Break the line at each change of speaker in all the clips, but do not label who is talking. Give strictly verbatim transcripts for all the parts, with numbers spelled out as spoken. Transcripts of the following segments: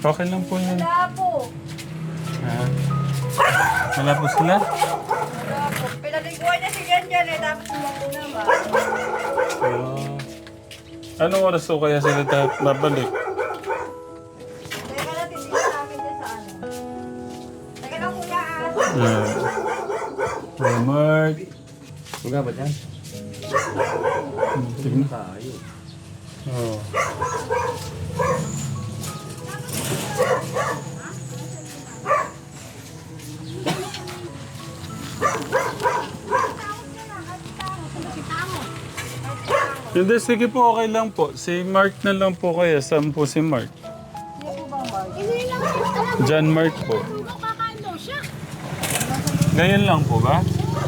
Okay lang po yun.
Wala po.
Ha? Wala po sila?
Wala po. Pinaliguan niya si Jan Jan eh. Tapos sumako naman.
Oh. Anong oras po kaya sila dapat babalik?
Teka na, titignan namin dyan sa ano. Teka lang kuya ah.
Yeah. Hey, Mark.
Buga ba dyan?
Tignan.
Tayo.
Oh. Hindi, sige po, okay lang po. Si Mark na lang po kaya. Saan po si Mark? John Mark po. Ngayon lang po ba?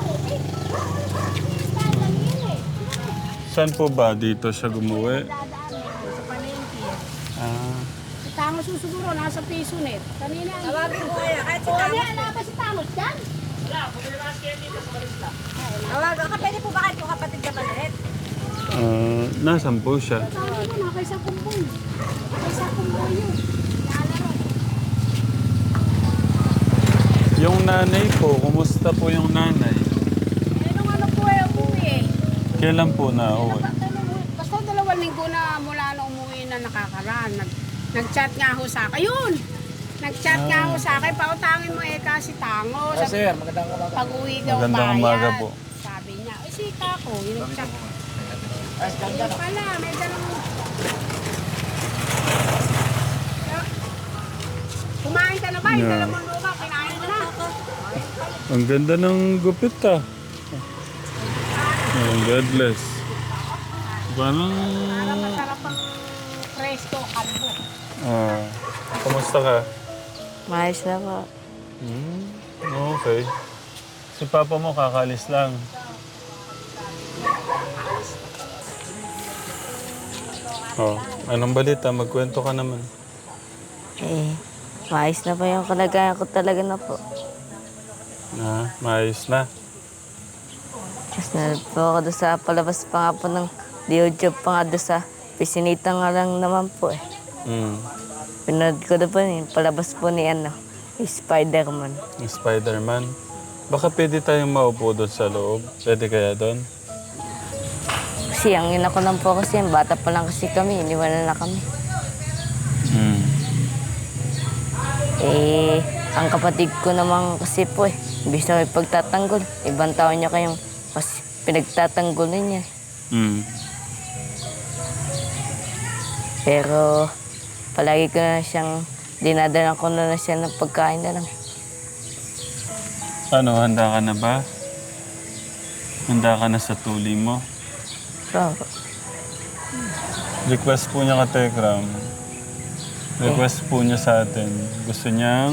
Saan po ba? Dito siya gumuwi?
Sa palengke.
Ah.
Si Tamos yung siguro, nasa piso net. Kanina,
Tawagin ko kaya. Kahit si
oh,
Tamos.
di, ala ba si Tamos dyan?
Tawagan ka. Pwede po ba kahit po kapatid ka palit?
Ah, nasan po siya?
Tawag mo na, kay sa kumbong. Kay sa kumbong yun. Naalaro.
Yung nanay po, kumusta po yung nanay?
Eh, nung ano po eh, umuwi eh.
Kailan po na uwi?
Basta dalawang linggo na mula na umuwi na nakakaraan. Nag, nag-chat nga ho sa akin. Yun! Nag-chat nga ho sa akin. Pautangin mo eh kasi tango.
Ah,
Sa
sir, magandang umaga.
pag-uwi daw
Magandang
bayad.
umaga po.
Sabi niya, ay si Kako, yung nag-chat.
Ay,
Ayun pala, may dalawang... Kumain ka na ba? Yung
Yeah.
dalawang lupa, kinain mo na.
Ang ganda ng gupit ah. Oh, God bless. Parang...
Parang masarap ang presto, kalbo.
Ah, kumusta ka?
Maayos na po.
Hmm, okay. Si Papa mo kakalis lang. Oh, anong balita? Magkwento ka naman.
Eh, maayos na po yung kalagayan ko talaga na po.
Na, maayos na.
Tapos na po ako doon sa palabas pa nga po ng Diojob pa nga doon sa pisinita nga lang naman po eh.
Hmm.
Pinanood ko doon po yung palabas po ni ano, ni Spider-Man.
Yung Spider-Man. Baka pwede tayong maupo doon sa loob. Pwede kaya doon?
Kasi ang ina ko lang po kasi, bata pa lang kasi kami, iniwanan na kami.
Hmm.
Eh, ang kapatid ko naman kasi po eh, imbis na may pagtatanggol, ibang tao niya kayong mas pinagtatanggol niya.
Hmm.
Pero palagi ko na siyang, dinadala ko na, na siya ng pagkain na lang.
Ano, handa ka na ba? Handa ka na sa tuli mo?
So,
Request po niya ka Tekram. Request po niya sa atin. Gusto niyang...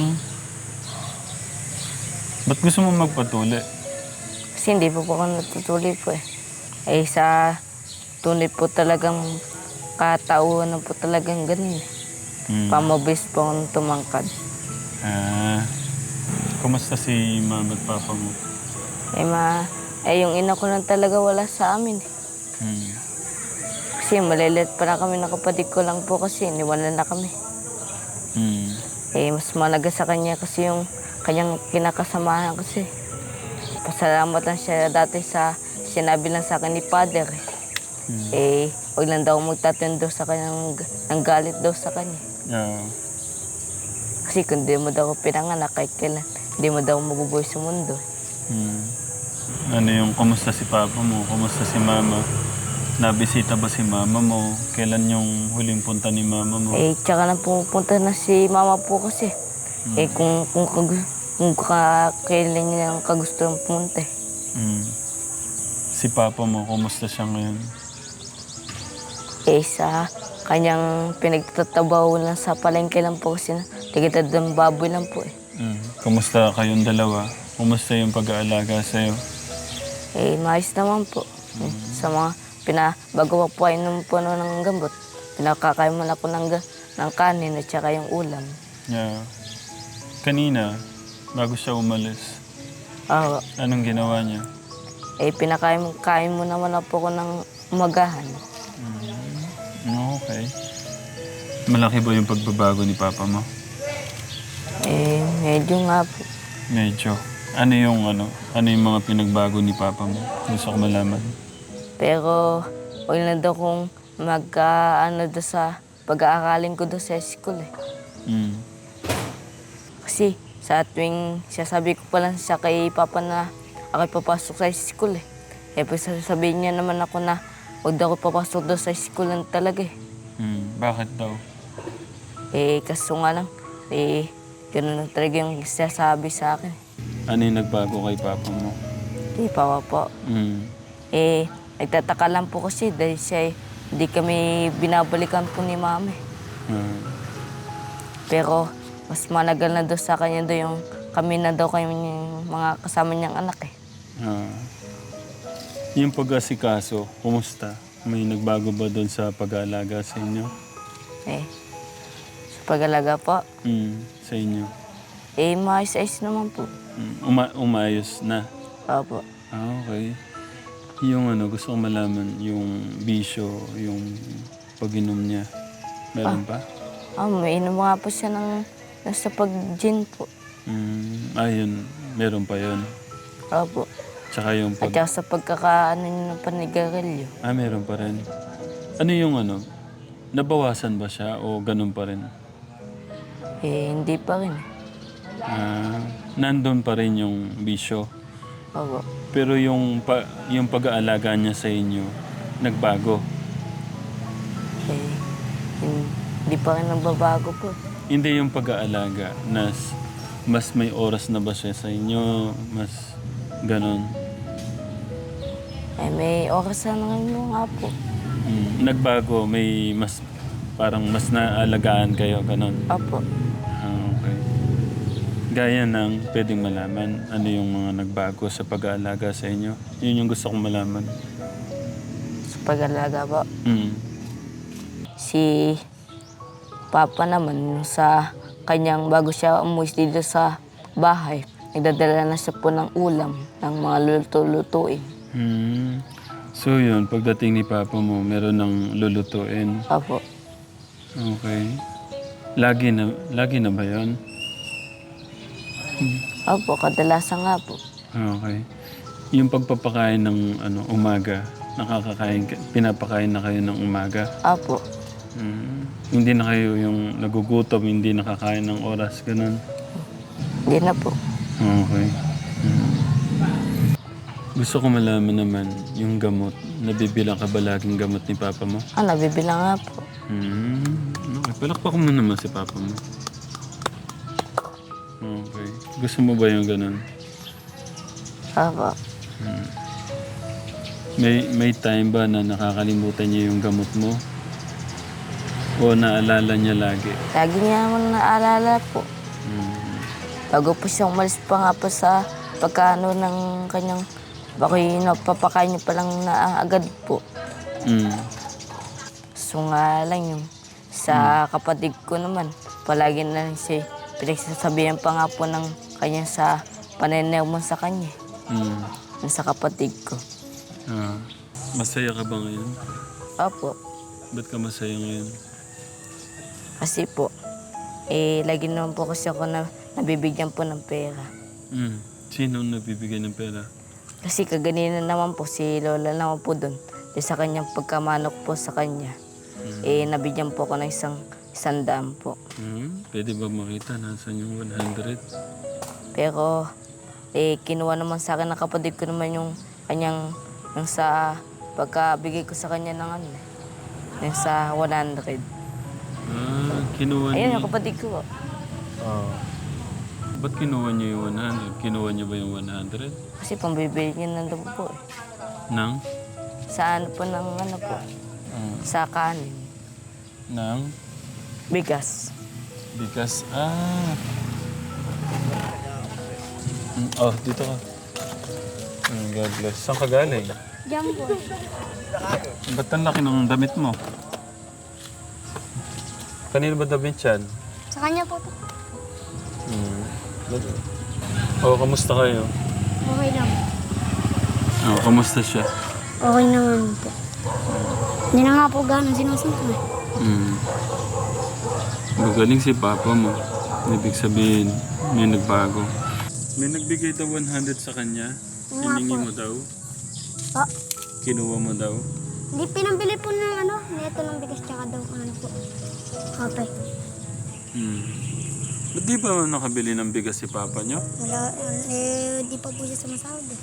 Ba't gusto mo magpatuli?
kasi hindi po po ako natutuloy po eh. Eh sa tunay po talagang katauhan na po talagang ganun eh.
Hmm.
Pamabis po akong tumangkad.
Ah, kumusta si mama at papa mo?
Eh ma, eh yung ina ko lang talaga wala sa amin eh.
Hmm.
Kasi malilit pa na kami ng kapatid ko lang po kasi iniwanan na kami.
Hmm.
Eh mas malaga sa kanya kasi yung kanyang kinakasamahan kasi. Pasalamat lang siya dati sa sinabi lang sa akin ni Father eh.
Hmm.
Eh, huwag lang daw magtatindo sa kanyang ng galit daw sa kanya.
Yeah.
Kasi kung di mo daw ako pinanganak, kahit kailan, di mo daw mabubuhay sa mundo.
Hmm. Ano yung kumusta si papa mo? Kumusta si mama? Nabisita ba si mama mo? Kailan yung huling punta ni mama mo?
Eh, tsaka na pupunta na si mama po kasi.
Hmm.
Eh, kung, kung, kung, kung ka, kailan niya ang kagustuhan pumunta eh.
Hmm. Si papa mo, kumusta siya ngayon?
Eh, sa kanyang pinagtatabaw lang sa palengke lang po kasi na tigitad ng baboy lang po eh.
Hmm. Kumusta kayong dalawa? Kumusta yung pag-aalaga sa'yo?
Eh, maayos naman po. Eh, sa mga pina, bago pa po ay nung puno ng gambot, pinakakain mo na po ng, ga- ng kanin at saka yung ulam.
Yeah. Kanina, bago siya umalis,
Ah,
anong ginawa niya?
eh, pinakain mo, kain mo naman na po ko ng umagahan.
Mm, okay. Malaki ba yung pagbabago ni Papa mo?
Eh, medyo nga po.
Medyo. Ano yung ano? Ano yung mga pinagbago ni Papa mo? Gusto ko malaman.
Pero, huwag na daw kung magka-ano daw sa pag-aakalin ko daw sa school eh.
Mm.
Kasi sa tuwing sasabi ko pa lang siya kay Papa na ako'y papasok sa school eh. Eh, pag sasabihin niya naman ako na huwag daw ako papasok daw sa school lang talaga eh.
Mm. Bakit daw?
Eh, kaso nga lang, eh, gano'n lang talaga yung sasabi sa akin.
Ano yung nagbago kay Papa mo?
Eh, Papa po.
Mm.
Eh, nagtataka lang po kasi dahil siya eh, hindi kami binabalikan po ni Mami.
Ah.
Pero mas managal na daw sa kanya daw yung kami na daw kami yung mga kasama niyang anak eh.
Ah. Yung pag-asikaso, kumusta? May nagbago ba doon sa pag-aalaga sa inyo?
Eh, sa pag-alaga po,
Mm. Sa inyo?
eh, maayos-ayos naman po.
Mm. Uma- umayos na?
Opo.
Ah, okay. Yung ano, gusto ko malaman, yung bisyo, yung pag-inom niya. Meron pa?
Ah, may inom nga po siya ng nasa pag-gin po.
Mm. Ah, yun. Meron pa yun.
Opo.
Tsaka yung
At
pag...
saka sa pagkakaano niya ng panigarilyo.
Ah, meron pa rin. Ano yung ano? Nabawasan ba siya o ganun pa rin?
Eh, hindi pa rin.
Ah, nandun pa rin yung bisyo.
Opo.
Pero yung, pa, yung pag-aalaga niya sa inyo, nagbago.
Eh, hindi pa rin nagbabago po.
Hindi yung pag-aalaga, nas, mas may oras na ba siya sa inyo, mas ganon.
Eh, may oras na ngayon nga po.
Mm, nagbago, may mas, parang mas naalagaan kayo, ganon.
Opo.
Ah, okay. Gaya ng pwedeng malaman, ano yung mga nagbago sa pag-aalaga sa inyo? Yun yung gusto kong malaman.
Sa pag-alaga po.
Mm.
Si Papa naman, yung sa kanyang bago siya umuwi dito sa bahay, nagdadala na siya po ng ulam, ng mga luluto-lutuin.
Hmm. So yun, pagdating ni Papa mo, meron ng lulutuin.
Opo.
Okay. Lagi na, lagi na ba yun?
Opo, kadalasan nga po.
Okay. Yung pagpapakain ng ano, umaga, nakakakain, ka- pinapakain na kayo ng umaga.
Opo.
Hmm. Hindi na kayo yung nagugutom, hindi nakakain ng oras, ganun.
Hindi na po.
Okay. Hmm. Gusto ko malaman naman yung gamot. Nabibilang ka ba laging gamot ni Papa mo?
Ah, nabibilang nga po.
Hmm. Okay. Palakpak mo naman si Papa mo. Okay. Gusto mo ba yung ganun?
Opo.
May may time ba na nakakalimutan niya yung gamot mo? O naalala niya lagi?
Lagi niya naman naalala po.
Hmm.
Bago po siya umalis pa nga po sa pagkano ng kanyang bakoy napapakain niya pa lang na agad po.
Hmm.
So nga lang yung sa kapatid ko naman, palagi na lang siya pinagsasabihan pa nga po ng kanya sa pananaw mo sa kanya.
Hmm.
Yung sa kapatid ko.
Ah. Masaya ka ba ngayon?
Opo.
Ba't ka masaya ngayon?
Kasi po, eh, lagi naman po kasi ako na nabibigyan po ng pera.
Hmm. Sino ang nabibigay ng pera?
Kasi kaganina naman po, si Lola naman po doon. Eh, sa kanyang pagkamanok po sa kanya, eh, nabigyan po ako ng isang, isang daan po.
Hmm. Pwede ba makita nasan yung one hundred?
Pero, eh, kinuha naman sa akin ng kapatid ko naman yung kanyang, yung sa pagkabigay ko sa kanya ng ano, yung sa one hundred.
Ah, kinuha
Ayun
niya.
yung kapatid ko po.
Oh. Ba't kinuha niya yung one hundred? Kinuha niya ba yung one hundred?
Kasi pambibili niya na daw po eh.
Nang?
Sa ano po ng ano po,
Ah.
sa kanin.
Nang?
Bigas.
Because, ah. Mm, Oh, dito ka. Mm, God bless. Saan ka galing?
Diyan po.
Ba't ang laki ng damit mo? Kanino ba damit yan?
Sa kanya po to.
Hmm. Oh, kamusta kayo?
Okay lang.
Oh, kamusta siya?
Okay naman po. Hindi na nga po gano'n sinusunod eh.
Hmm. Magaling si Papa mo. Ibig sabihin, may nagbago. May nagbigay daw one hundred sa kanya. Hiningi mo daw.
Po.
Kinuha mo daw.
Hindi pinambili po ng ano, neto ng bigas tsaka daw ano po. Kape.
Hmm. Ba't di ba nakabili ng bigas si Papa nyo?
Wala, eh, di pa po siya sumasahod eh.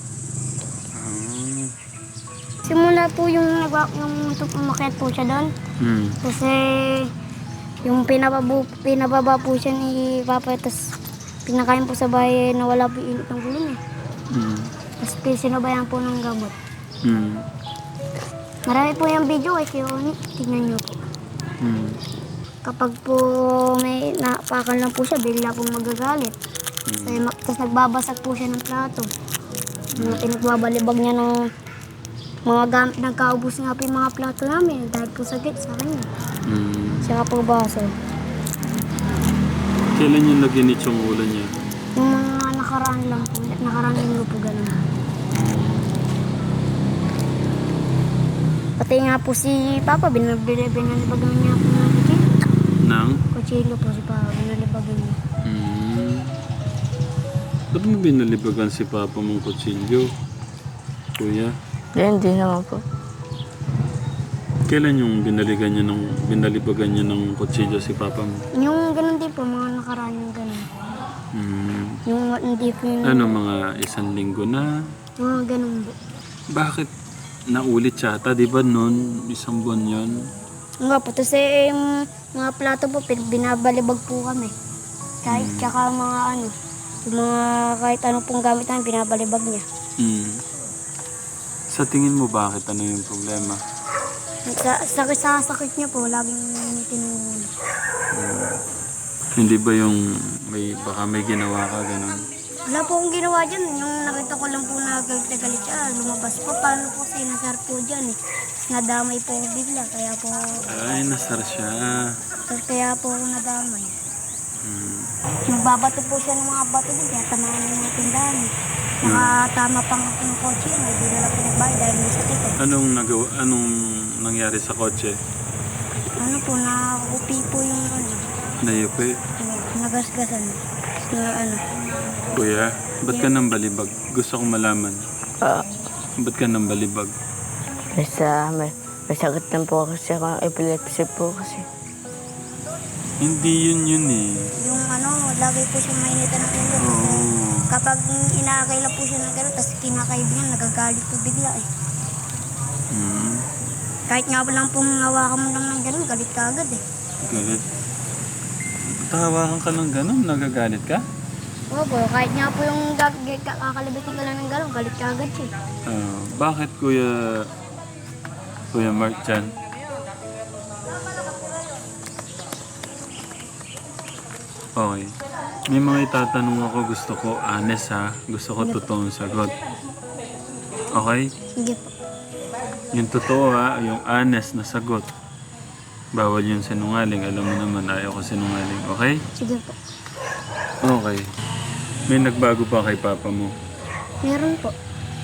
Ah.
Simula po yung, nagwa- yung umakyat po siya doon.
Hmm.
Kasi yung pinababu, pinababa po siya ni Papa, tapos pinakain po sa bahay na wala po init ng gulong eh.
Hmm.
Tapos sinabayan po ng gamot.
Hmm.
Marami po yung video kay Kioni, tignan niyo po.
Hmm.
Kapag po may napakan lang po siya, bigla po magagalit. Kasi, ma- tapos nagbabasag po siya ng plato. Mga pinagbabalibag niya ng mga gamit, nagkaubos nga po yung mga plato namin dahil po sagit sa kanya.
Hmm.
Siya po baso.
Kailan yung naginit yung ulo niya?
Yung mga nakaraan lang po, nakaraan linggo po ganun. Pati nga po si Papa, binabili, binalibagan niya po ng kuchilo.
Nang?
Kuchilo po si Papa, binalibagan niya.
Hmm. Ba't mo binalibagan si Papa mong kutsilyo? Kuya?
Eh, hindi naman po.
Kailan yung binaligan niya ng, binalibagan niya ng kutsilyo si Papa mo?
Yung ganun din po, mga nakaraan yung ganun.
Hmm.
Yung hindi po yung
Ano, mga isang linggo na?
mga ganun po.
Bakit naulit yata? Di ba noon, isang buwan yun?
Nga po, tapos eh, yung mga plato po, pin- binabalibag po kami. Kahit tsaka mga ano, yung mga kahit ano pong gamit namin, binabalibag niya.
Hmm. Sa tingin mo bakit? Ano yung problema?
Sa sakit sa sakit niya po, laging tinulong.
Hindi ba yung may, baka may ginawa ka, ganun?
Wala po akong ginawa dyan. Yung nakita ko lang po na galit na galit siya, lumabas po. Paano po sinasar po dyan eh. Nadamay po ako bigla, kaya po,
Ay, nasar siya.
kaya po ako nadamay.
Hmm.
Nagbabato po siya ng mga bato din, kaya tamaan ng mga tindahan. eh. Nakatama pa nga po ng kotse, may di na lang pinagbayad dahil may sakit eh.
Anong nagawa, anong nangyari sa kotse?
Ano po, nakupi po yung ano,
Nayupi.
nagasgasan. Na ano,
Kuya, ba't ka nang balibag? Gusto kong malaman.
Ah,
Ba't ka nang balibag?
basta may, may sakit lang po kasi ako ng epilepsy po kasi.
Hindi yun yun eh.
yung ano, lagi po siya mainitan ng ulo.
Oo.
Kapag inaakay lang po siya ng gano'n, tapos kinakaibigan, nagagalit po bigla eh.
Hmm.
Kahit nga lang pong hawakan mo lang ng gano'n, galit ka agad eh.
Galit. Tawakan ka ng ganun, nagagalit ka?
Opo, kahit nga po yung gag- gag- kakalabitin ka lang ng gano'n, galit ka agad siya.
Ah, bakit Kuya Kuya Mark Chan? Okay. May mga itatanong ako, gusto ko honest ha. Gusto ko totoong sagot. Okay?
Sige po.
Yung totoo ha, yung honest na sagot. Bawal yung sinungaling. Alam mo naman, ayaw ko sinungaling. Okay?
Sige po.
Okay. May nagbago pa kay Papa mo.
Meron po.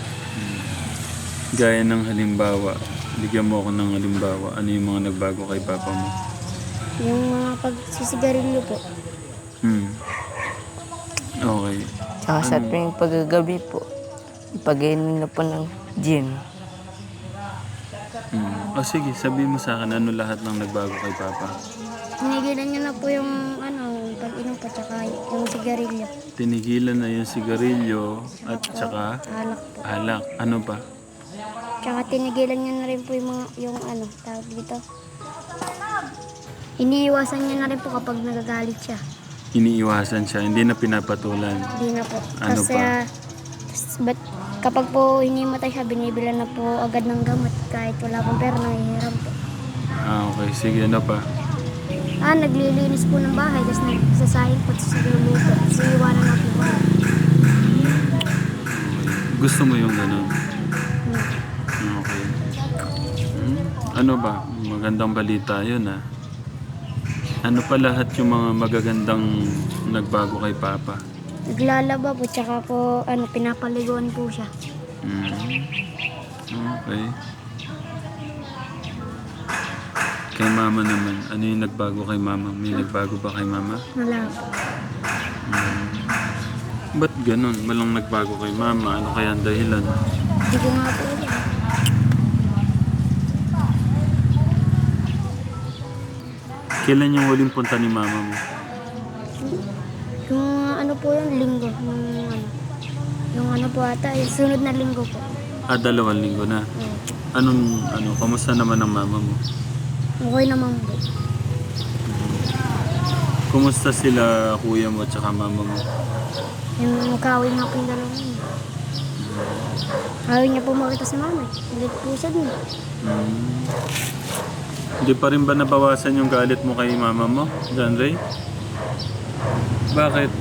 Gaya ng halimbawa. Bigyan mo ako ng halimbawa. Ano yung mga nagbago kay Papa mo?
Yung mga pagsisigarilyo po.
Hmm. Okay.
Tsaka sa tuwing paggagabi po, pag-inom na po ng gin.
Hmm. O sige, sabihin mo sa akin ano lahat ng nagbago kay Papa.
Tinigilan niyo na po yung ano, pag-inom po, tsaka yung sigarilyo.
Tinigilan na yung sigarilyo at saka
Alak po.
alak. Ano pa?
Tsaka tinigilan niya na rin po yung mga, yung ano, tawag dito. Iniiwasan niya na rin po kapag nagagalit siya.
Iniiwasan siya, hindi na pinapatulan.
Hindi na po.
Ano
Kasi,
pa?
ah, tas- but, kapag po hinimatay siya, binibilan na po agad ng gamot kahit wala pong pera, nangihiram po.
Ah, okay. Sige, ano pa?
Ah, naglilinis po ng bahay, tapos nagsasayang po, tapos nagluluto. Tapos iiwanan na po.
Gusto mo yung ganun?
Hmm.
Okay. Hmm? Ano ba? Magandang balita yun ah. Ano pa lahat yung mga magagandang nagbago kay Papa?
Naglalaba po, tsaka po, ano, pinapaliguan po siya.
Hmm. Okay. Kay mama naman, ano yung nagbago kay mama? May nagbago ba kay mama?
Wala po.
Ba't ganun? Walang nagbago kay mama. Ano kaya ang dahilan?
Hindi ko nga po alam.
Kailan yung huling punta ni mama mo?
Yung ano po yun, linggo. Yung ano, yung ano po ata, yung sunod na linggo po.
Ah, dalawang linggo na.
Oo.
Anong, ano, kamusta naman ang mama mo?
Okay naman po.
Kumusta sila kuya mo at saka mama mo?
Yung magkawin nga po yung dalawa yun. Ayaw niya po makita si mama. Hindi po siya dun.
Hmm. Hindi pa rin ba nabawasan yung galit mo kay mama mo, John Ray? Bakit?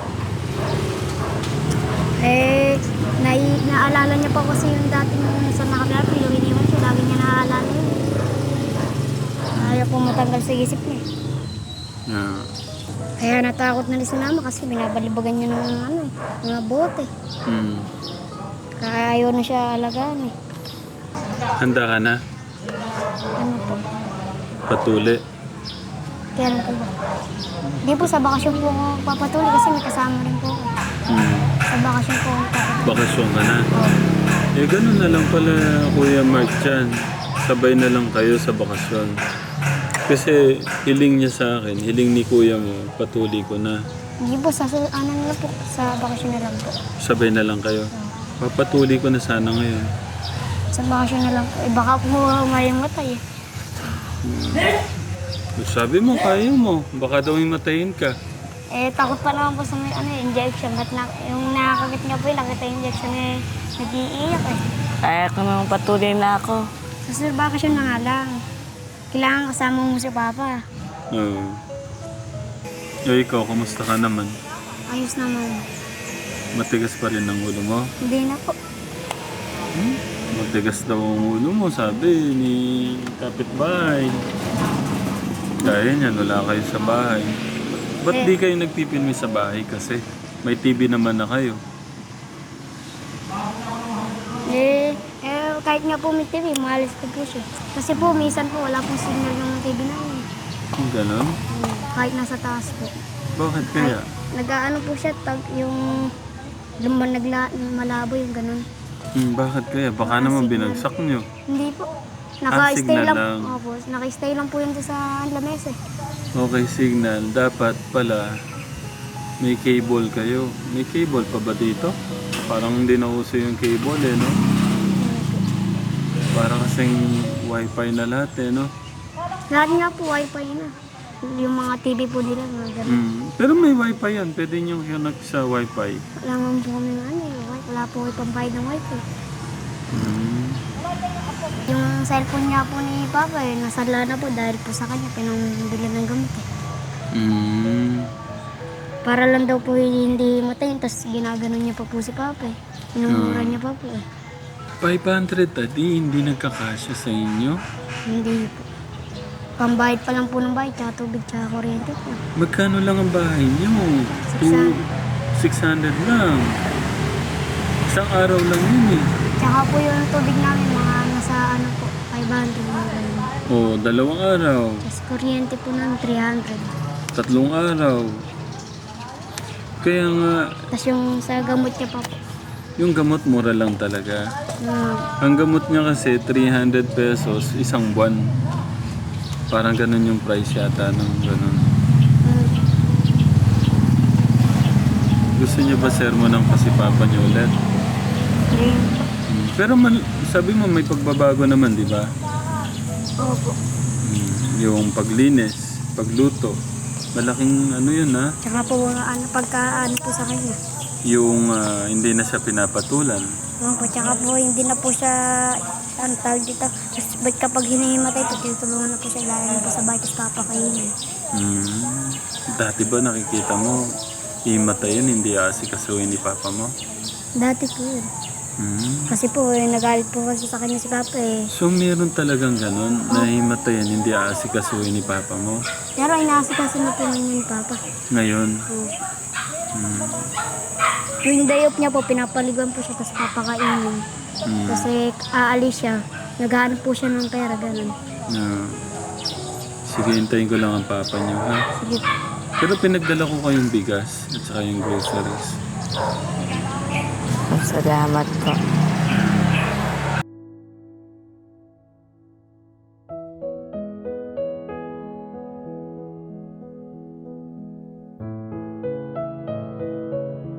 Eh, nai naalala niya pa kasi yung dating sa nakapila, pero iniwan siya. Lagi niya naaalala yun. Ayaw po matanggal sa isip niya.
Yeah.
Kaya natakot na rin si mama kasi binabalibagan niya ng ano, eh, mga bote.
Hmm.
Kaya ayaw na siya alagaan eh.
Handa ka na?
Ano po?
Patuli?
Kailan po ba? Hindi po, sa bakasyon po ako papatuloy kasi may kasama rin po ako.
Hmm.
Sa bakasyon po ako papatuloy.
Bakasyon ka na?
Oo.
Eh, ganun na lang pala, Kuya Mark dyan. Sabay na lang kayo sa bakasyon. Kasi hiling niya sa akin, hiling ni Kuya mo, patuli ko na.
Hindi po, sa su- ano na lang po, sa bakasyon na lang po.
Sabay na lang kayo. Papatuli ko na sana ngayon.
Sa bakasyon na lang po. Eh baka po umayang matay eh.
Sabi mo, kaya mo. Baka daw matayin ka.
Eh takot pa naman po sa may ano, injection. Ba't na, yung nakakagit niya po yung nakita yung injection eh, nag-iiyak eh.
Kaya ko nang patuloy na ako.
Sa bakasyon na nga lang. Kailangan kasama mo si Papa.
Oo. Eh, ikaw, kumusta ka naman?
Ayos naman.
Matigas pa rin ang ulo mo?
Hindi na po.
Matigas daw ang ulo mo, sabi ni kapitbahay. Dahil niyan, wala kayo sa bahay. Ba't di kayo nagpipilmi sa bahay kasi? May T V naman na kayo.
Eh, eh, kahit nga po may T V, maalis ko po siya. Kasi po, minsan po, wala pong signal yung T V namin.
Kung gano'n?
Hmm, kahit nasa taas po.
Bakit kaya?
Nag-ano po siya, tag, yung lumban nagla, malabo yung ganun.
Hmm, bakit kaya? Baka naman binagsak nyo.
Hindi po.
Ah,
Naka-stay
signal
lang.
lang.
Opo, naka-stay lang po yun doon sa lamesa eh.
Okay, signal. Dapat pala may cable kayo. May cable pa ba dito? Parang hindi na uso yung cable eh, no? Parang kasing wifi na lahat eh, no?
Lahat nga po, wifi na. Yung mga T V po nila, mga ganun.
Mm. Pero may wifi yan. Pwede nyo connect sa wifi.
Wala nga po kami ano eh. wi- Wala po kayo pambayad ng wifi.
Mm.
Yung cellphone niya po ni Papa eh, nasala na po dahil po sa kanya, pinangbili ng gamit eh.
Mm.
Para lang daw po hindi matayin, tapos ginaganon niya pa po si Papa eh. Inumura niya pa po eh.
five hundred tadi, hindi nagkakasya sa inyo?
Hindi po. Pambayad pa lang po ng bayad, tsaka tubig, tsaka kuryente po.
Magkano lang ang bahay nyo?
six hundred.
six hundred lang. Isang araw lang yun eh.
Tsaka po yung tubig namin, mga nasa ano po, five hundred mga ganun.
Oh, dalawang araw.
Tapos kuryente po ng three hundred.
Tatlong araw. Kaya nga,
Tapos yung sa gamot niya pa po.
yung gamot mura lang talaga.
Uh,
Ang gamot niya kasi three hundred pesos isang buwan. Parang ganun yung price yata ng ganun. Gusto niyo ba sermonan kasi papa niyo ulit?
Green.
Hmm. Pero man, sabi mo may pagbabago naman, di ba?
Opo.
Hmm. Yung paglinis, pagluto. Malaking ano yun ha?
Tsaka po ano, pagka ano po sa kanya.
Yung ah, hindi na siya pinapatulan.
Opo, tsaka po hindi na po siya, ano tawag dito. Tapos ba't kapag hinihimatay po, tinutulungan na po siya, lalo na po sa bahay, tapos papakainin.
Hmm. Dati ba nakikita mo, imatay yun, hindi aasikasuhin ni papa mo?
Dati po yun.
Hmm.
Kasi po, eh, nagalit po kasi sa kanya si Papa eh.
So meron talagang ganun, na himatayan, hindi aasikasuhin ni papa mo?
Pero inaasikaso na po niya ni Papa.
Ngayon?
Oo.
Hmm.
Yung day off niya po, pinapaliguan po siya, tapos papakainin.
Hmm.
Kasi aalis siya, naghahanap po siya ng pera, ganun.
Yeah. Sige, hintayin ko lang ang papa niyo, ha?
Sige.
Pero pinagdala ko kayong bigas at saka yung groceries.
Salamat po.